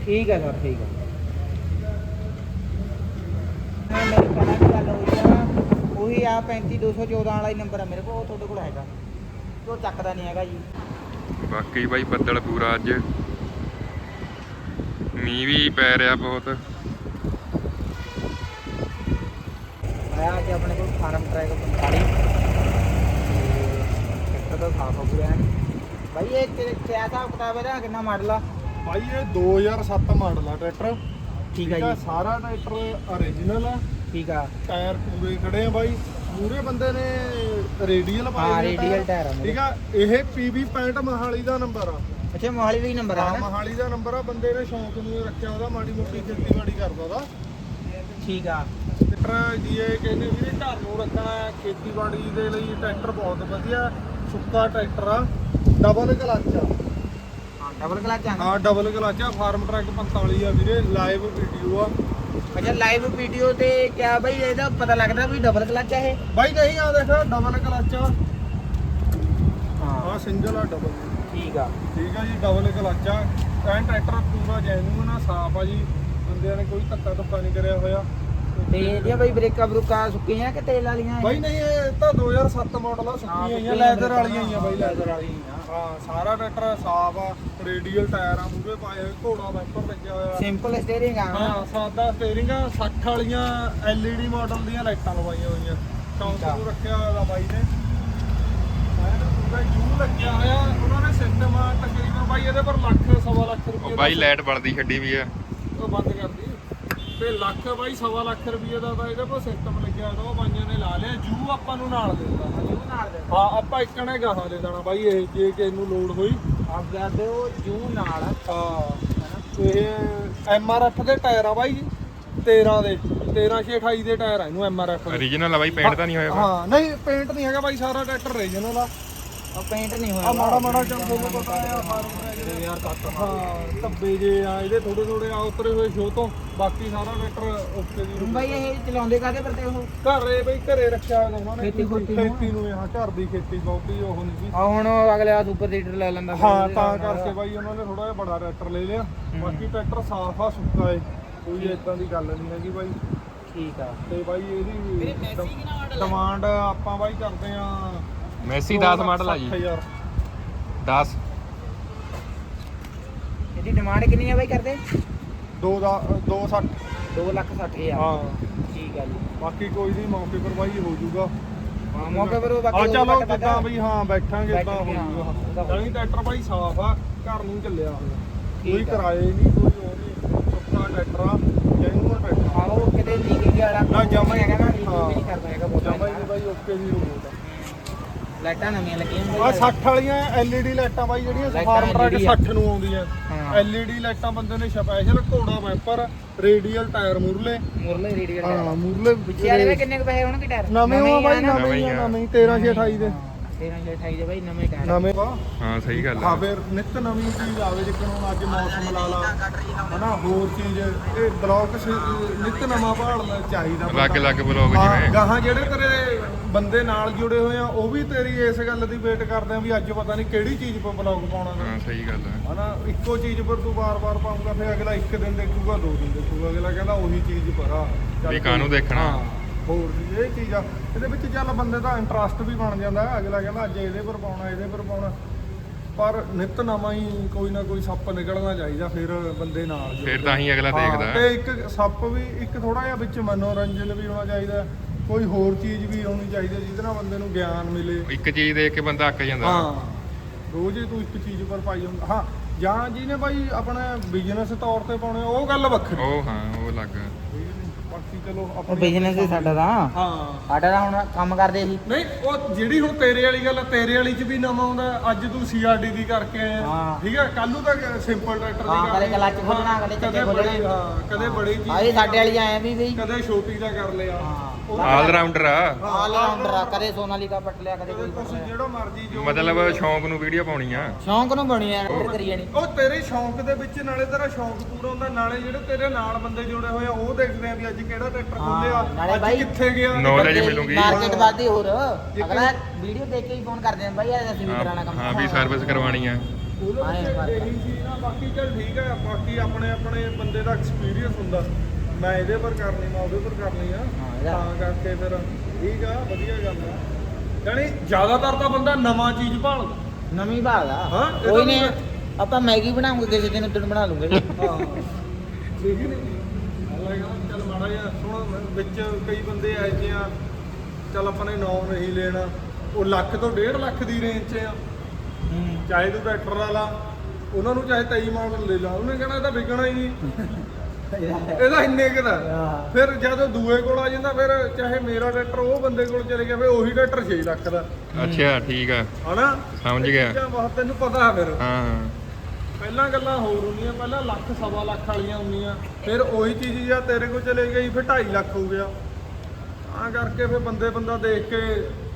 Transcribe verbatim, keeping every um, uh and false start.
ਠੀਕ ਹੈ ਸਰ ਠੀਕ ਹੈ। ਮੇਰੀ ਪਹਿਲਾਂ ਵੀ ਗੱਲ ਹੋਈ ਆ, ਉਹੀ ਆ ਪੈਂਤੀ ਦੋ ਸੌ ਚੌਦਾਂ ਵਾਲਾ ਹੀ ਨੰਬਰ ਆ ਮੇਰੇ ਕੋਲ, ਉਹ ਤੁਹਾਡੇ ਕੋਲ ਹੈਗਾ, ਉਹ ਚੱਕਦਾ ਨਹੀਂ ਹੈਗਾ ਜੀ। ਬਾਕੀ ਬਾਈ ਬੱਦਲ ਪੂਰਾ ਅੱਜ, ਮੀਂਹ ਵੀ ਪੈ ਰਿਹਾ ਬਹੁਤ। ਆਇਆ ਅੱਜ ਆਪਣੇ ਕੋਲ ਫਾਰਮ ਟਰੈਕ ਪੰਤਾਲੀ ਟਰੈਕਟਰ ਦਾ ਸਾਫ ਹੋ ਗਿਆ ਬਾਈ। ਇਹ ਕਿਹੜਾ ਹਿਸਾਬ ਕਿਤਾਬ ਇਹਦਾ, ਕਿੰਨਾ ਮਾਡਲ ਆ ਬਾਈ? ਇਹ ਦੋ ਹਜ਼ਾਰ ਸੱਤ ਮਾਡਲ ਆ ਟਰੈਕਟਰ। ਠੀਕ ਆ ਜੀ। ਸਾਰਾ ਟਰੈਕਟਰ ਓਰੀਜਨਲ ਆ। ਠੀਕ ਆ। ਟਾਇਰ ਪੂਰੇ ਖੜੇ ਆ ਬਾਈ। ਮੂਰੇ ਬੰਦੇ ਨੇ ਰੇਡੀਅਲ ਪਾਏ ਹਾਂ ਰੇਡੀਅਲ ਟਾਇਰ ਆ। ਠੀਕ ਆ। ਇਹ ਪੀਬੀ ਪੈਂਹਠ ਮੋਹਾਲੀ ਦਾ ਨੰਬਰ ਆ। ਅੱਛਾ ਮੋਹਾਲੀ ਦਾ ਹੀ ਨੰਬਰ ਆ। ਮੋਹਾਲੀ ਦਾ ਨੰਬਰ ਆ। ਬੰਦੇ ਨੇ ਸ਼ੌਂਕ ਨੂੰ ਰੱਖਿਆ ਉਹਦਾ, ਮਾੜੀ ਮੋਟੀ ਖੇਤੀਬਾੜੀ ਕਰਦਾ ਉਹਦਾ। ਠੀਕ ਆ। ਟਰੈਕਟਰ ਜੀ ਇਹ ਕਹਿੰਦੇ ਵੀ ਘਰ ਨੂੰ ਰੱਖਣਾ, ਖੇਤੀਬਾੜੀ ਦੇ ਲਈ ਟਰੈਕਟਰ ਬਹੁਤ ਵਧੀਆ। ਸੁੱਕਾ ਟਰੈਕਟਰ ਆ, ਡਬਲ ਕਲੱਚ ਆ। ਹਾਂ ਡਬਲ ਕਲਚ ਆ। ਹਾਂ ਡਬਲ ਕਲੱਚ ਆ। ਫਾਰਮ ਟਰੈਕ ਪੰਤਾਲੀ ਆ ਵੀਰੇ, ਲਾਈਵ ਵੀਡੀਓ ਆ। ਅੱਛਾ ਲਾਈਵ ਵੀਡੀਓ ਤੇ ਕਿਆ ਬਾਈ ਇਹਦਾ ਪਤਾ ਲੱਗਦਾ ਵੀ ਡਬਲ ਕਲਚ ਆ ਇਹ? ਬਾਈ ਨਹੀਂ ਆ ਦੇਖ, ਡਬਲ ਕਲੱਚ ਆ। ਹਾਂ ਆ ਸਿੰਗਲ ਆ, ਡਬਲ। ਠੀਕ ਆ। ਠੀਕ ਆ ਜੀ, ਡਬਲ ਕਲੱਚ ਆ। ਐਂ ਟਰੈਕਟਰ ਪੂਰਾ ਜੈਨੂਨ ਆ, ਸਾਫ ਆ ਜੀ। ਬੰਦਿਆਂ ਨੇ ਕੋਈ ਧੱਕਾ ਧੁੱਕਾ ਨਹੀਂ ਕਰਿਆ ਹੋਇਆ। ਤੇ ਇਹਦੀਆਂ ਬਾਈ ਬ੍ਰੇਕਾਂ ਬਰੂਕਾਂ ਸੁੱਕੀਆਂ ਕਿ ਤੇਲ ਵਾਲੀਆਂ? ਬਾਈ ਨਹੀਂ, ਇਹ ਤਾਂ ਦੋ ਹਜ਼ਾਰ ਸੱਤ ਮਾਡਲ ਆ, ਸੁੱਕੀਆਂ ਆਈਆਂ, ਲੈਦਰ ਵਾਲੀਆਂ ਹੀ ਆ ਬਾਈ, ਲੈਦਰ ਵਾਲੀਆਂ। ਹਾਂ ਸਾਰਾ ਟਰੈਕਟਰ ਸਾਫ ਆ। ਰੇਡੀਅਲ ਟਾਇਰ ਆ, ਮੂਹਰੇ ਪਾਏ ਹੋਏ, ਘੋੜਾ ਵਾਈਪਰ ਲੱਗਿਆ ਹੋਇਆ। ਸਿੰਪਲ ਸਟੀਅਰਿੰਗ ਆ। ਹਾਂ ਸਾਦਾ ਸਟੀਅਰਿੰਗ ਆ। ਸੱਠ ਵਾਲੀਆਂ ਐਲ ਈ ਡੀ ਮਾਡਲ ਦੀਆਂ ਲਾਈਟਾਂ ਲਵਾਈਆਂ ਹੋਈਆਂ। ਚੌਂਕ ਨੂੰ ਰੱਖਿਆ ਹੋਇਆ ਬਾਈ ਨੇ। ਪੂਰਾ ਜੂ ਲੱਗਿਆ ਹੋਇਆ ਉਹਨਾਂ ਨੇ ਸਿਸਟਮ। ਤਕਰੀਬਨ ਬਾਈ ਇਹਦੇ ਪਰ ਲੱਖ ਸਵਾ ਲੱਖ ਰੁਪਏ ਬਾਈ ਲਾਈਟ ਬਲਦੀ ਛੱਡੀ ਵੀ ਆ, ਉਹ ਬੰਦ ਕਰਦੀ ਤੇ ਲੱਖ ਬਾਈ ਸਵਾ ਲੱਖ ਰੁਪਏ ਦਾ ਤਾਂ ਇਹਦੇ ਕੋਲ ਸਿਸਟਮ ਲੱਗਿਆ ਤਾਂ ਉਹ ਬਾਈਆਂ ਨੇ ਲਾ ਲਿਆ। ਜੂ ਆਪਾਂ ਨੂੰ ਨਾਲ ਦੇ ਦੇਣਾ। ਜੂ ਨਾਲ ਦੇ ਹਾਂ ਆਪਾਂ ਇੱਕ ਨੇ ਗਾਹਾਂ ਦੇ ਦੇਣਾ ਬਾਈ। ਇਹ ਜੇ ਕਿਸੇ ਨੂੰ ਲੋਡ ਹੋਈ ਆਪ ਕਰਦੇ ਉਹ ਜੂ ਨਾਲ। ਹਾਂ ਇਹ ਐਮ ਆਰ ਐਫ ਦੇ ਟਾਇਰ ਆ ਬਾਈ, ਤੇਰਾਂ ਦੇ ਤੇਰਾਂ ਛੇ ਅਠਾਈ ਦੇ ਟਾਇਰ ਆ ਇਹਨੂੰ, ਐਮ ਆਰ ਐਫ। ਓਰੀਜਨਲ ਆ ਬਾਈ, ਪੇਂਟ ਤਾਂ ਨਹੀਂ ਹੋਇਆ? ਹਾਂ ਨਹੀਂ ਪੇਂਟ ਨਹੀਂ ਹੈਗਾ ਬਾਈ, ਸਾਰਾ ਟਰੈਕਟਰ ਓਰੀਜਨਲ ਆ। ਉਹ ਪੇਂਟ ਨਹੀਂ ਹੋਇਆ ਆ ਮਾੜਾ ਮਾੜਾ ਚੱਲ ਤੁਹਾਨੂੰ ਪਤਾ ਆ ਫਾਰਮ ਯਾਰ ਕੱਟ। ਹਾਂ ਧੱਬੇ ਜੇ ਆ ਇਹਦੇ, ਥੋੜੇ ਥੋੜੇ ਆ ਉਤਰੇ ਹੋਏ ਸ਼ੋ ਤੋਂ। ਬਾਕੀ ਸਾਰਾ ਟਰੈਕਟਰ ਓਕੇ ਦੀ। ਬਾਈ ਇਹ ਚਲਾਉਂਦੇ ਕਾਹਦੇ ਪਰਤੇ ਉਹ? ਘਰੇ ਬਈ ਘਰੇ ਰੱਖਿਆ ਹੋਇਆ ਉਹਨਾਂ ਨੇ, ਖੇਤੀ ਖੂਤੀ ਨੂੰ। ਖੇਤੀ ਨੂੰ। ਹਾਂ ਘਰ ਦੀ ਖੇਤੀ ਬਹੁਤੀ ਉਹ ਨਹੀਂ ਸੀ। ਆ ਹੁਣ ਅਗਲੇ ਆ ਸੁਪਰ ਸੀਡਰ ਲੈ ਲੈਂਦਾ। ਹਾਂ ਤਾਂ ਕਰਕੇ ਬਾਈ ਉਹਨਾਂ ਨੇ ਥੋੜਾ ਜਿਹਾ ਬੜਾ ਟਰੈਕਟਰ ਲੈ ਲਿਆ। ਬਾਕੀ ਟਰੈਕਟਰ ਸਾਫ ਆ, ਸੁੱਕਾ ਏ, ਕੋਈ ਇਦਾਂ ਦੀ ਗੱਲ ਨਹੀਂ ਹੈਗੀ ਬਾਈ। ਠੀਕ ਆ। ਤੇ ਬਾਈ ਇਹਦੀ ਡਿਮਾਂਡ ਆਪਾਂ ਬਾਈ ਕਰਦੇ ਆ ਮੈਸੀ ਦਸ ਮਾਡਲ ਆ ਜੀ। ਦਸ ਇਹਦੀ ਡਿਮਾਂਡ ਕਿੰਨੀ ਆ ਬਾਈ ਕਰਦੇ? ਦੋ ਦਾ ਦੋ ਸੱਠ। ਦੋ ਲੱਖ ਸੱਠ ਹਜ਼ਾਰ। ਹਾਂ ਠੀਕ ਆ ਜੀ। ਬਾਕੀ ਕੋਈ ਨਹੀਂ, ਮੌਕੇ ਪਰ ਬਾਈ ਹੋ ਜਾਊਗਾ। ਹਾਂ ਮੌਕੇ ਪਰ ਉਹ ਆ ਬਾਕੀ ਚਲੋ ਜਿੱਦਾਂ ਬਈ ਹਾਂ ਬੈਠਾਂਗੇ ਇਦਾਂ ਹੋ ਬੈਠਾਂਗੇ, ਹਾਂ। ਜਾਊਗਾ। ਜਾਨੀ ਟਰੈਕਟਰ ਬਾਈ ਸਾਫ ਆ, ਘਰ ਨੂੰ ਚੱਲਿਆ ਹੋਇਆ, ਕੋਈ ਠੀਕ ਆ। ਕਿਰਾਏ ਨਹੀਂ, ਕੋਈ ਉਹ ਨਹੀਂ। ਸੁੱਕਾ ਟਰੈਕਟਰ ਆ, ਜੈਨੂਅਨ ਟਰੈਕਟਰ। ਆਹ ਉਹ ਕਿਤੇ ਲੀਕ ਵਾਲਾ ਨਾ ਜਮਾ ਹੀ ਹੈਗਾ ਨਾ, ਲੀਕ ਹਾਂ। ਵੀ ਨਹੀਂ ਕਰਦਾ ਹੈਗਾ ਬਹੁਤ। ਜਮਾ ਹੀ ਬਾਈ ਓਕੇ ਦੀ ਰਿਮੋਟ ਆ। ਲਾਈਟਾਂ ਨਵੀਆਂ ਲੱਗੀਆਂ ਆ ਬਾਈ। ਸੱਠ ਵਾਲੀਆਂ ਐਲ ਈ ਡੀ ਲਾਈਟਾਂ ਬਾਈ, ਜਿਹੜੀਆਂ ਲਾਈਟਾਂ Farmtrac L E D ਆ। ਸੱਠ ਨੂੰ ਆਉਂਦੀਆਂ। ਹਾਂ। ਐਲ ਈ ਡੀ ਲਾਈਟਾਂ ਬੰਦੇ ਨੇ ਸਪੈਸ਼ਲ, ਘੋੜਾ ਵਾਈਪਰ, ਰੇਡੀਅਲ ਟਾਇਰ ਮੂਰਲੇ। ਮੁਰਲੇ ਰੇਡੀਅਲ ਹਾਂ ਮੂਰਲੇ ਪਿੱਛੇ ਵਾਲੇ ਵੇ ਕਿੰਨੇ ਕੁ ਪੈਸੇ ਹੋਣਗੇ ਟਾਇਰ? ਨਵੇਂ ਆ ਬਾਈ, ਹੀ ਆ ਨਾ? ਨਵੇਂ ਹੀ ਆ, ਨਵੇਂ ਤੇਰਾਂ ਛੇ ਅਠਾਈ ਦੇ ਤੇਰਾਂ ਛੇ ਅਠਾਈ ਦੇ ਬਾਈ ਨਵੇਂ ਟਾਇਰ। ਨਵੇਂ ਵਾ। ਹਾਂ ਸਹੀ ਗੱਲ ਹਾਂ ਆ। ਫਿਰ ਨਿੱਤ ਨਵੀਂ ਚੀਜ਼ ਆਵੇ, ਜਿੱਕਣ ਹੁਣ ਅੱਜ ਮੌਸਮ ਲਾ ਲਾ ਹਨਾ, ਹੋਰ ਚੀਜ਼ ਇਹ ਬਲੌਕ ਨਿੱਤ ਨਵਾਂ ਭਾਲਣਾ ਚਾਹੀਦਾ। ਅਲੱਗ ਅਲੱਗ ਬਲੌਗ ਹਾਂ, ਜਿਵੇਂ ਗਾਹਾਂ ਜਿਹੜੇ ਤੇਰੇ ਬੰਦੇ ਨਾਲ ਜੁੜੇ ਹੋਏ ਆ ਉਹ ਵੀ ਤੇਰੀ ਇਸ ਗੱਲ ਦੀ ਵੇਟ ਕਰਦੇ ਆ ਵੀ ਅੱਜ ਪਤਾ ਨਹੀਂ ਕਿਹੜੀ ਚੀਜ਼ 'ਤੇ ਬਲੌਗ ਪਾਉਣਾ ਗਾ। ਹਾਂ ਸਹੀ ਗੱਲ ਆ। ਹਨਾ ਇੱਕੋ ਚੀਜ਼ ਪਰ ਤੂੰ ਵਾਰ-ਵਾਰ ਪਾਉਂਗਾ, ਫਿਰ ਅਗਲਾ ਇੱਕ ਦਿਨ ਦੇਖੂਗਾ, ਦੋ ਦਿਨ ਦੇਖੂਗਾ, ਅਗਲਾ ਕਹਿੰਦਾ ਉਹੀ ਚੀਜ਼ ਪਰ ਆ ਚੱਲ ਵੀ ਕਾਹਨੂੰ ਦੇਖਣਾ। ਹਾਂ, ਹੋਰ ਵੀ ਇਹ ਚੀਜ਼ ਆ ਇਹਦੇ ਵਿੱਚ। ਚੱਲ ਬੰਦੇ ਦਾ ਇੰਟਰਸਟ ਵੀ ਬਣ ਜਾਂਦਾ, ਅਗਲਾ ਕਹਿੰਦਾ ਅੱਜ ਇਹਦੇ ਪਰ ਪਾਉਣਾ, ਇਹਦੇ ਪਰ ਪਾਉਣਾ। ਪਰ ਨਿੱਤ ਨਵਾਂ ਹੀ ਕੋਈ ਨਾ ਕੋਈ ਸੱਪ ਨਿਕਲਣਾ ਚਾਹੀਦਾ, ਫਿਰ ਬੰਦੇ ਨਾਲ ਜੁੜਦੇ। ਫਿਰ ਤਾਂ ਹੀ ਅਗਲਾ ਹਾਂ, ਦੇਖਦਾ। ਤੇ ਇੱਕ ਸੱਪ ਵੀ, ਇੱਕ ਥੋੜਾ ਜਿਹਾ ਵਿੱਚ ਮਨੋਰੰਜਨ ਵੀ ਹੋਣਾ ਚਾਹੀਦਾ, ਕੋਈ ਹੋਰ ਚੀਜ਼ ਵੀ ਹੋਣੀ ਚਾਹੀਦੀ ਜਿਹਦੇ ਨਾਲ ਬੰਦੇ ਨੂੰ ਗਿਆਨ ਮਿਲੇ। ਇੱਕ ਚੀਜ਼ ਦੇਖ ਕੇ ਬੰਦਾ ਅੱਕ ਜਾਂਦਾ। ਹਾਂ ਰੋਜ਼ ਹੀ ਤੂੰ ਇੱਕ ਚੀਜ਼ ਪਰ ਪਾਈ ਹੁੰਦਾ। ਹਾਂ ਜਾਂ ਜਿਹਨੇ ਬਾਈ ਆਪਣੇ ਬਿਜ਼ਨਸ ਤੌਰ ਤੇ ਪਾਉਣੇ, ਉਹ ਗੱਲ ਵੱਖਰੀ। ਉਹ ਹਾਂ ਉਹ ਲੱਗ। ਬਾਕੀ ਚਲੋ ਉਹ ਆਪਣੀ ਬਿਜ਼ਨਸ ਹੀ ਸਾਡਾ ਤਾਂ। ਹਾਂ ਸਾਡਾ ਤਾਂ ਹੁਣ ਕੰਮ ਕਰਦੇ ਸੀ। ਨਹੀਂ ਉਹ ਜਿਹੜੀ ਹੁਣ ਤੇਰੇ ਵਾਲੀ ਗੱਲ ਆ, ਤੇਰੇ ਵਾਲੀ ਚ ਵੀ ਨਵਾਂ ਆਉਂਦਾ। ਅੱਜ ਤੂੰ ਸੀ ਆਰ ਡੀ ਦੀ ਕਰਕੇ ਆਇਆ, ਹਾਂ। ਠੀਕ ਹੈ, ਕੱਲ ਨੂੰ ਤਾਂ ਸਿੰਪਲ ਟਰੈਕਟਰ ਦੀ ਹਾਂ, ਕਰ ਕਦੇ ਕਲੱਚ ਖੋਲਣਾ, ਕਦੇ ਚੱਕੇ ਖੋਲਣੇ। ਹਾਂ ਕਦੇ ਬੜੀ ਚੀਜ਼, ਆਹੀ ਸਾਡੇ ਵਾਲੀ ਆਏ ਵੀ ਬਈ। ਕਦੇ ਛੋਟੀ ਦਾ ਕਰ ਲਿਆ। ਹਾਂ ਆਲ ਰਾਊਂਡਰ ਆ, ਆਲ ਰਾਉਂਡਰ ਆ, ਕਦੇ ਸੋਨਾਲੀਕਾ ਪੱਟ ਲਿਆ, ਕਦੇ ਕੋਈ ਕੁਛ ਪੱਟ ਲਿਆ। ਜਿਹੜਾ ਮਰਜੀ ਜੋ ਮਤਲਬ ਸ਼ੌਂਕ ਨੂੰ ਵੀਡੀਓ ਪਾਉਣੀ ਆ। ਸ਼ੌਂਕ ਨੂੰ ਬਣੀ ਯਾਰ, ਫਿਰ ਕਰੀ ਜਾਣੀ। ਉਹ ਤੇਰੇ ਸ਼ੌਂਕ ਦੇ ਵਿੱਚ ਨਾਲੇ ਤੇਰਾ ਸ਼ੌਂਕ ਪੂਰਾ ਹੁੰਦਾ, ਨਾਲੇ ਜਿਹੜੇ ਤੇਰੇ ਨਾਲ ਬੰਦੇ ਜੁੜੇ ਹੋਏ ਆ ਉਹ ਦੇਖਦੇ ਆ ਵੀ ਅੱਜ ਕਿਹੜਾ ਟਰੈਕਟਰ ਖੋਲਿਆ, ਨਾਲੇ ਅੱਜ ਬਾਈ ਕਿੱਥੇ ਗਿਆ। Knowledge ਮਿਲੂਗੀ। ਮਾਰਕੀਟ ਵੱਧਦੀ ਹੋਰ। ਅਗਲਾ ਵੀਡੀਓ ਦੇਖ ਕੇ ਹੀ ਫੋਨ ਕਰਦੇ ਆ ਬਾਈ, ਅਸੀਂ ਵੀ ਕਰਾਣਾ ਕੰਮ। ਹਾਂ ਵੀ ਸਰਵਿਸ ਕਰਵਾਉਣੀ ਆ। ਉਹਦੇ ਆਏਂ ਵਿੱਚ ਫਰਕ ਆ। ਇਹੀ ਸੀ ਨਾ। ਬਾਕੀ ਚੱਲ ਠੀਕ ਹੈ, ਬਾਕੀ ਆਪਣੇ ਆਪਣੇ ਬੰਦੇ ਦਾ ਐਕਸਪੀਰੀਅੰਸ ਹੁੰਦਾ, ਮੈਂ ਇਹਦੇ ਪਰ ਕਰਨੀ ਮੈਂ ਉਹਦੇ ਪਰ ਕਰਨੀ ਆ, ਹਾਂ, ਇਹਦਾ- ਤਾਂ ਕਰਕੇ ਫਿਰ ਠੀਕ ਆ, ਵਧੀਆ ਗੱਲ ਆ। ਜਾਣੀ ਜ਼ਿਆਦਾਤਰ ਤਾਂ ਬੰਦਾ ਨਵਾਂ ਚੀਜ਼ ਭਾਲਦਾ। ਨਵੀਂ ਭਾਲ ਆ ਹਾਂ, ਇਹ ਕੋਈ ਤਾਂ ਨਹੀਂ ਮੈਂ- ਆਪਾਂ ਮੈਗੀ ਬਣਾਉਂਗੇ ਕਿਸੇ ਦਿਨ ਉਦੋਂ ਬਣਾ ਲੂੰਗੇ ਹਾਂ ਠੀਕ ਨਹੀਂ ਲੱਗਦਾ। ਚੱਲ ਮਾੜਾ ਜਿਹਾ ਸੁਣ, ਵਿੱਚ ਕਈ ਬੰਦੇ ਆਏ ਜਿਹੇ ਆ, ਚੱਲ ਆਪਾਂ ਨੇ ਨਾਮ ਨਹੀਂ ਲੈਣਾ, ਉਹ ਲੱਖ ਤੋਂ ਡੇਢ ਲੱਖ ਦੀ ਰੇਂਜ 'ਚ ਆ, ਚਾਹੇ ਤੂੰ ਟਰੈਕਟਰ ਵਾਲਾ, ਉਹਨਾਂ ਨੂੰ ਚਾਹੇ ਤੇਈ ਮਾਡਲ ਲੈ ਲਾ, ਉਹਨੇ ਕਹਿਣਾ ਇਹ ਤਾਂ ਵਿਕਣਾ ਹੀ ਨਹੀਂ, ਇਹਦਾ ਇੰਨੇ ਕੁ ਦਾ। ਹਾਂ। ਫਿਰ ਜਦੋਂ ਦੂਏ ਕੋਲ ਆ ਜਾਂਦਾ, ਫਿਰ ਚਾਹੇ ਮੇਰਾ ਟਰੈਕਟਰ ਉਹ ਬੰਦੇ ਕੋਲ ਚਲੇ ਗਿਆ, ਫਿਰ ਉਹੀ ਟਰੈਕਟਰ ਛੇ ਲੱਖ ਦਾ, ਅੱਛਾ ਠੀਕ ਆ, ਹਨਾ? ਸਮਝ ਇਹ ਗਿਆ। ਚੀਜ਼ਾਂ ਬਹੁਤ ਤੈਨੂੰ ਪਤਾ ਫਿਰ ਹਾਂ ਪਹਿਲਾਂ ਗੱਲਾਂ ਹੋਰ ਹੁੰਦੀਆਂ, ਪਹਿਲਾਂ ਲੱਖ ਸਵਾ ਲੱਖ ਵਾਲੀਆਂ ਹੁੰਦੀਆਂ, ਫਿਰ ਉਹੀ ਚੀਜ਼ ਜਾਂ ਤੇਰੇ ਕੋਲ ਚਲੇ ਗਈ ਫਿਰ ਢਾਈ ਲੱਖ ਹੋ ਗਿਆ। ਤਾਂ ਕਰਕੇ ਫਿਰ ਬੰਦੇ ਬੰਦਾ ਦੇਖ ਕੇ